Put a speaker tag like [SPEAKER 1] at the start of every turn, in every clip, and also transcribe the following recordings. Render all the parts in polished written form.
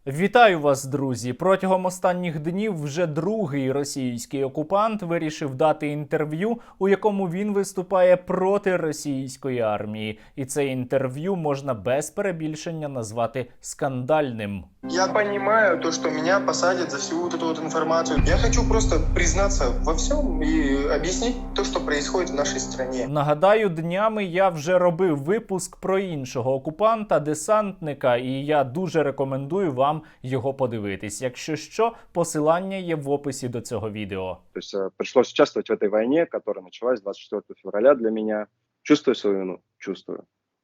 [SPEAKER 1] Вітаю вас, друзі! Протягом останніх днів вже другий російський окупант вирішив дати інтерв'ю, у якому він виступає проти російської армії. І це інтерв'ю можна без перебільшення назвати скандальним.
[SPEAKER 2] Я понимаю то, что меня посадят за всю вот эту вот информацию. Я хочу просто признаться во всем и объяснить то, что происходит в нашей стране.
[SPEAKER 1] Нагадаю, днями я вже робив випуск про іншого окупанта, десантника, і я дуже рекомендую вам його подивитись. Якщо що, посилання є в описі до цього відео.
[SPEAKER 3] То есть пришлось участвовать в этой войне, которая началась 24 февраля для меня. Чувствую свою вину? Чувствую.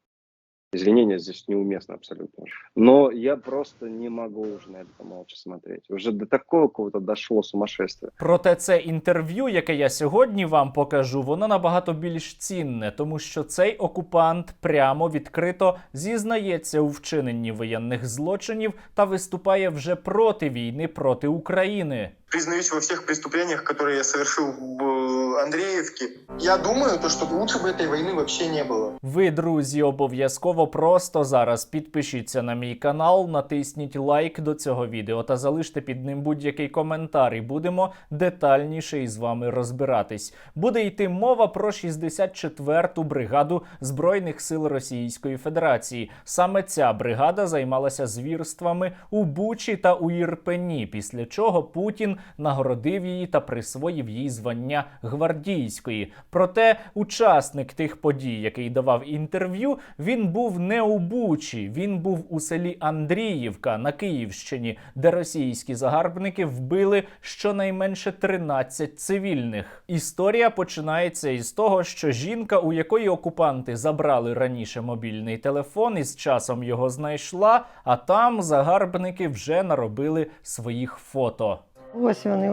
[SPEAKER 3] Извинения здесь неуместно абсолютно. Но я просто не могу уже на это молча смотреть. Уже до такого какого-то дошло сумасшествие.
[SPEAKER 1] Проте це інтерв'ю, яке я сьогодні вам покажу, воно набагато більш цінне, тому що цей окупант прямо відкрито зізнається у вчиненні воєнних злочинів та виступає вже проти війни проти України.
[SPEAKER 2] Признаюсь во всех преступлениях, которые я совершил в Андреевке. Я думаю, то, что лучше бы этой войны вообще не было.
[SPEAKER 1] Ви, друзі, обов'язково просто зараз підпишіться на мій канал, натисніть лайк до цього відео та залиште під ним будь-який коментар, і будемо детальніше із вами розбиратись. Буде йти мова про 64-ту бригаду Збройних сил Російської Федерації. Саме ця бригада займалася звірствами у Бучі та у Ірпені, після чого Путін нагородив її та присвоїв їй звання гвардійської. Проте учасник тих подій, який давав інтерв'ю, він був не у Бучі, він був у селі Андріївка на Київщині, де російські загарбники вбили щонайменше 13 цивільних. Історія починається із того, що жінка, у якої окупанти забрали раніше мобільний телефон, із часом його знайшла, а там загарбники вже наробили своїх фото.
[SPEAKER 4] Ось вони,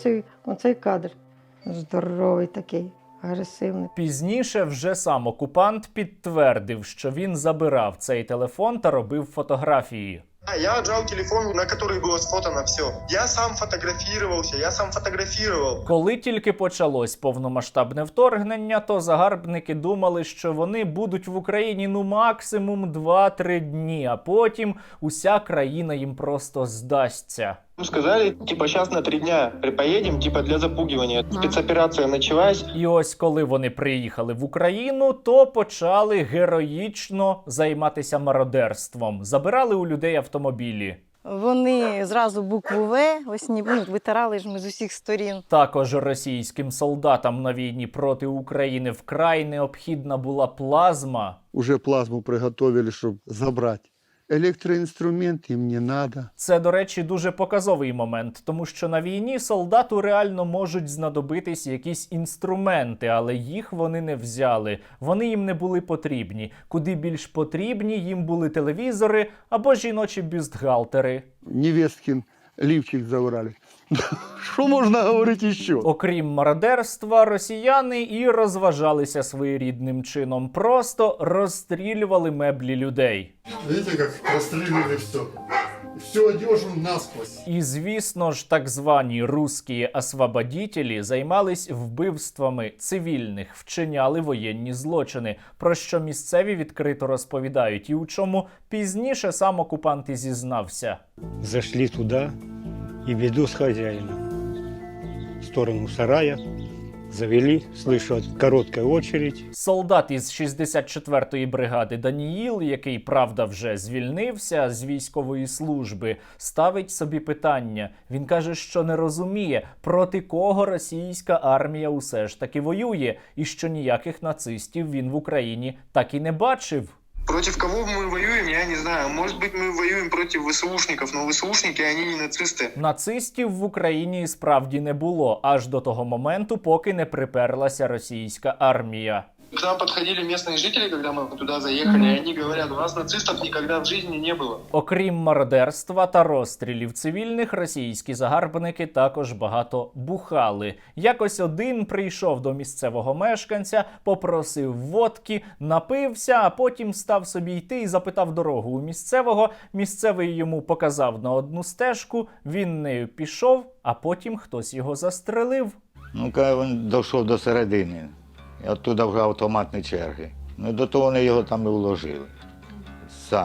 [SPEAKER 4] оцей кадр. Здоровий такий, агресивний.
[SPEAKER 1] Пізніше вже сам окупант підтвердив, що він забирав цей телефон та робив фотографії.
[SPEAKER 2] Я отжал телефон, на который было сфотано все. Я сам фотографировался, я сам фотографировал.
[SPEAKER 1] Коли тільки почалось повномасштабне вторгнення, то загарбники думали, що вони будуть в Україні максимум 2-3 дні, а потім уся країна їм просто здасться.
[SPEAKER 2] Сказали, сейчас на 3 дня поедем, для запугивания. Спецоперация началась.
[SPEAKER 1] І ось коли вони приїхали в Україну, то почали героїчно займатися мародерством. Забирали у людей автомобілі.
[SPEAKER 5] Вони зразу букву В, ось витирали ж ми з усіх сторін.
[SPEAKER 1] Також російським солдатам на війні проти України вкрай необхідна була плазма.
[SPEAKER 6] Уже плазму приготовили, щоб забрати. Електроінструмент їм не треба.
[SPEAKER 1] Це, до речі, дуже показовий момент, тому що на війні солдату реально можуть знадобитись якісь інструменти, але їх вони не взяли. Вони їм не були потрібні. Куди більш потрібні їм були телевізори або жіночі бюстгальтери.
[SPEAKER 6] Невесткин лівчик забрали. Що можна говорити ще?
[SPEAKER 1] Окрім мародерства, росіяни і розважалися своєрідним чином. Просто розстрілювали меблі людей.
[SPEAKER 6] Видите, як розстрілювали все. Всю одежу насквозь.
[SPEAKER 1] І, звісно ж, так звані русські освободітелі займались вбивствами цивільних, вчиняли воєнні злочини, про що місцеві відкрито розповідають, і у чому пізніше сам окупант і зізнався.
[SPEAKER 7] Зашли туда и веду с хозяином в сторону сарая. Завели, слышу короткая очередь.
[SPEAKER 1] Солдат із 64-ї бригади Даніїл, який, правда, вже звільнився з військової служби, ставить собі питання. Він каже, що не розуміє, проти кого російська армія усе ж таки воює, і що ніяких нацистів він в Україні так і не бачив.
[SPEAKER 2] Против кого мы воюем, я не знаю. Может быть, мы воюем против ВСУшников, но ВСУшники, они не нацисты.
[SPEAKER 1] Нацистів в Україні справді не було, аж до того моменту, поки не приперлася російська армія.
[SPEAKER 2] К нам подходили местные жители, когда мы туда заехали, и они говорят, у нас нацистов никогда в жизни не было.
[SPEAKER 1] Окрім мародерства та розстрілів цивільних, російські загарбники також багато бухали. Якось один прийшов до місцевого мешканця, попросив водки, напився, а потім став собі йти і запитав дорогу у місцевого. Місцевий йому показав на одну стежку, він нею пішов, а потім хтось його застрелив.
[SPEAKER 8] Ну, коли він дійшов до середини, і оттуда вже автоматні черги. Ну, до того вони його там і вложили. Самі.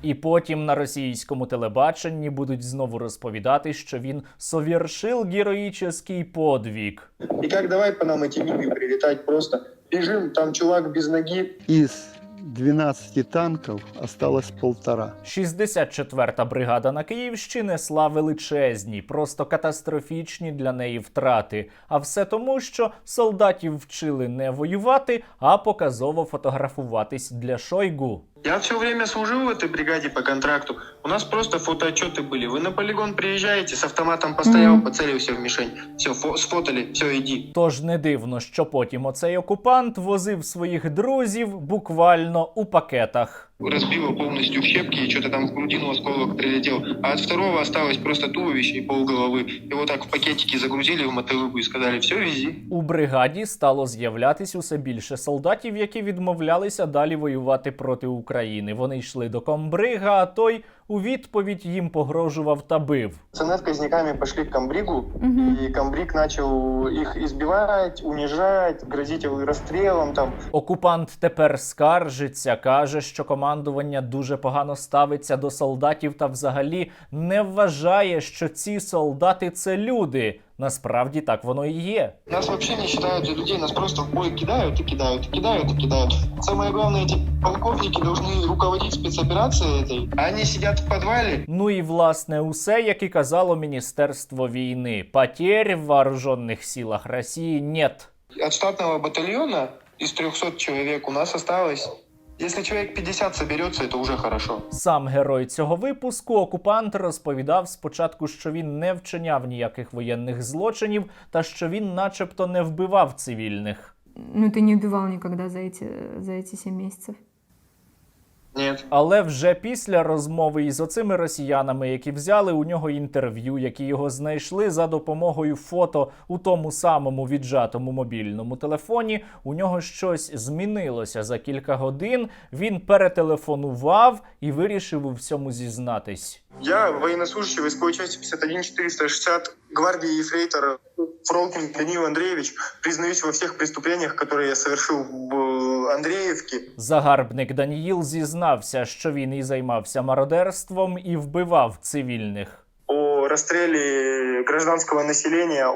[SPEAKER 1] І потім на російському телебаченні будуть знову розповідати, що він совершил героїчний подвиг.
[SPEAKER 2] И как давай по нам эти миги прилетать просто. Бежим, там чувак без ноги.
[SPEAKER 6] Из 12 танков осталось 1,5.
[SPEAKER 1] 64-та бригада на Київщині несла величезні, просто катастрофічні для неї втрати. А все тому, що солдатів вчили не воювати, а показово фотографуватись для Шойгу.
[SPEAKER 2] Я все время служил в этой бригаде по контракту. У нас просто фотоотчеты были. Вы на полигон приезжаете, с автоматом постоял, поцелился в мишень. Все, сфотали, все, иди.
[SPEAKER 1] Тож не дивно, що потім оцей окупант возив своїх друзів буквально у пакетах.
[SPEAKER 2] Разбило полностью в щепки, и что-то там в грудину осколок прилетел. А от второго осталось просто туловище и полголовы. Его так в пакетики загрузили в мотылыгу и сказали, все, вези.
[SPEAKER 1] У бригаді стало з'являтись усе більше солдатів, які відмовлялися далі воювати проти України. Вони йшли до комбрига, а той у відповідь їм погрожував та бив.
[SPEAKER 2] Пацаны с казняками пошли к комбригу, и комбриг начал их избивать, унижать, грозить расстрелом там.
[SPEAKER 1] Окупант тепер скаржиться, каже, що командування дуже погано ставиться до солдатів та взагалі не вважає, що ці солдати – це люди. Насправді так воно і є.
[SPEAKER 2] Нас вообще не считают за людей, нас просто в бой кидают и кидают, и кидают, и кидают. Самое главное, эти полковники должны руководить спецоперацией этой. А они сидят в подвале.
[SPEAKER 1] Ну і власне усе, як і казало Міністерство війни. Потерь в вооруженных силах Росії нет.
[SPEAKER 2] От штатного батальона из 300 человек у нас осталось... Если человек 50 соберется, это уже хорошо.
[SPEAKER 1] Сам герой цього випуску, окупант, розповідав спочатку, що він не вчиняв ніяких воєнних злочинів та що він начебто не вбивав цивільних.
[SPEAKER 9] Ну, ты не убивал никогда за эти 7 месяцев?
[SPEAKER 2] Нет.
[SPEAKER 1] Але вже після розмови із оцими росіянами, які взяли у нього інтерв'ю, які його знайшли за допомогою фото у тому самому віджатому мобільному телефоні, у нього щось змінилося за кілька годин, він перетелефонував і вирішив у всьому зізнатись.
[SPEAKER 2] Я военнослужащий войсковой части 51-460 гвардии ефрейтора Фролкин Даниил Андреевич. Признаюсь во всех преступлениях, которые я совершил в Андреевке.
[SPEAKER 1] Загарбник Даніїл зізнався, що він і займався мародерством, і вбивав цивільних.
[SPEAKER 2] О расстреле гражданского населения,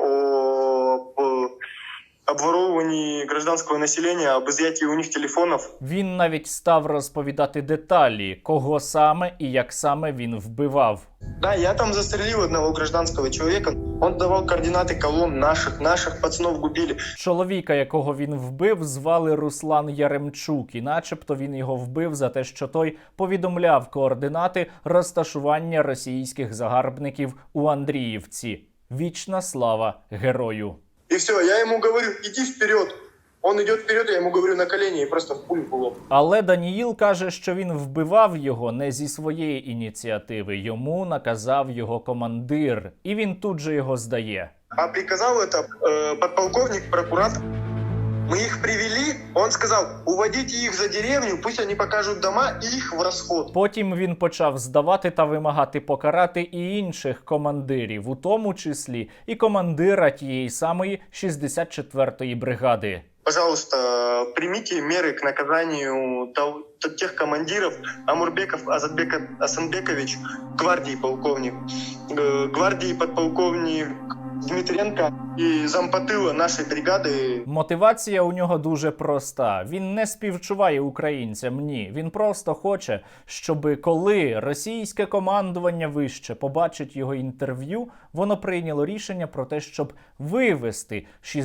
[SPEAKER 2] об обворовывании гражданского населения, об изъятии у них телефонов.
[SPEAKER 1] Він навіть став розповідати деталі, кого саме і як саме він вбивав.
[SPEAKER 2] Да, я там застрелил одного гражданского человека. Он давал координаты колонн наших пацанов губили.
[SPEAKER 1] Чоловіка, якого він вбив, звали Руслан Яремчук, і начебто він його вбив за те, що той повідомляв координати розташування російських загарбників у Андріївці. Вічна слава герою!
[SPEAKER 2] И все, я ему говорю, иди вперед. Он идет вперед, я ему говорю на колени и просто в пулю в лоб.
[SPEAKER 1] Але Даніїл каже, що він вбивав його не зі своєї ініціативи. Йому наказав його командир. І він тут же його здає.
[SPEAKER 2] А приказал это подполковник, прокуратор. Мы их привели, он сказал, уводите их за деревню, пусть они покажут дома и их в расход.
[SPEAKER 1] Потім він почав здавати та вимагати покарати і інших командирів, у тому числі і командира тієї самої 64-ї бригади.
[SPEAKER 2] Пожалуйста, примите меры к наказанию тех командиров. Амурбеков Азатбек Асанбекович, гвардии полковник, гвардии подполковник Дмитренко і зампотила нашої бригади.
[SPEAKER 1] Мотивація у нього дуже проста. Він не співчуває українцям, ні. Він просто хоче, щоб коли російське командування вище побачить його інтерв'ю, воно прийняло рішення про те, щоб вивести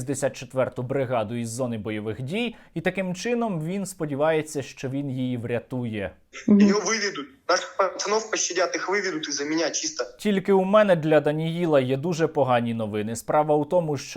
[SPEAKER 1] 64-ту бригаду із зони бойових дій, і таким чином він сподівається, що він її врятує.
[SPEAKER 2] Ее выведут. Наших пацанов пощадят, их выведут из-за меня чисто.
[SPEAKER 1] Тільки у мене для Даніїла є дуже погані новини. Справа у тому, що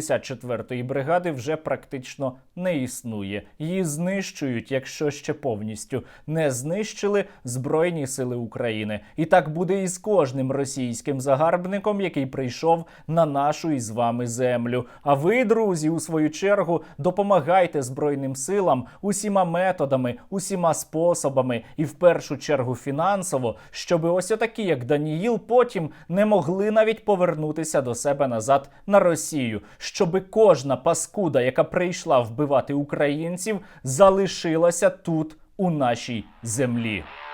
[SPEAKER 1] 64-ї бригади вже практично не існує. Її знищують, якщо ще повністю не знищили Збройні сили України. І так буде і з кожним російським загарбником, який прийшов на нашу із вами землю. А ви, друзі, у свою чергу, допомагайте Збройним силам усіма методами, усіма способами і в першу чергу фінансово, щоб ось отакі, як Даніїл, потім не могли навіть повернутися до себе назад на Росію. Щоби кожна паскуда, яка прийшла вбивати українців, залишилася тут, у нашій землі.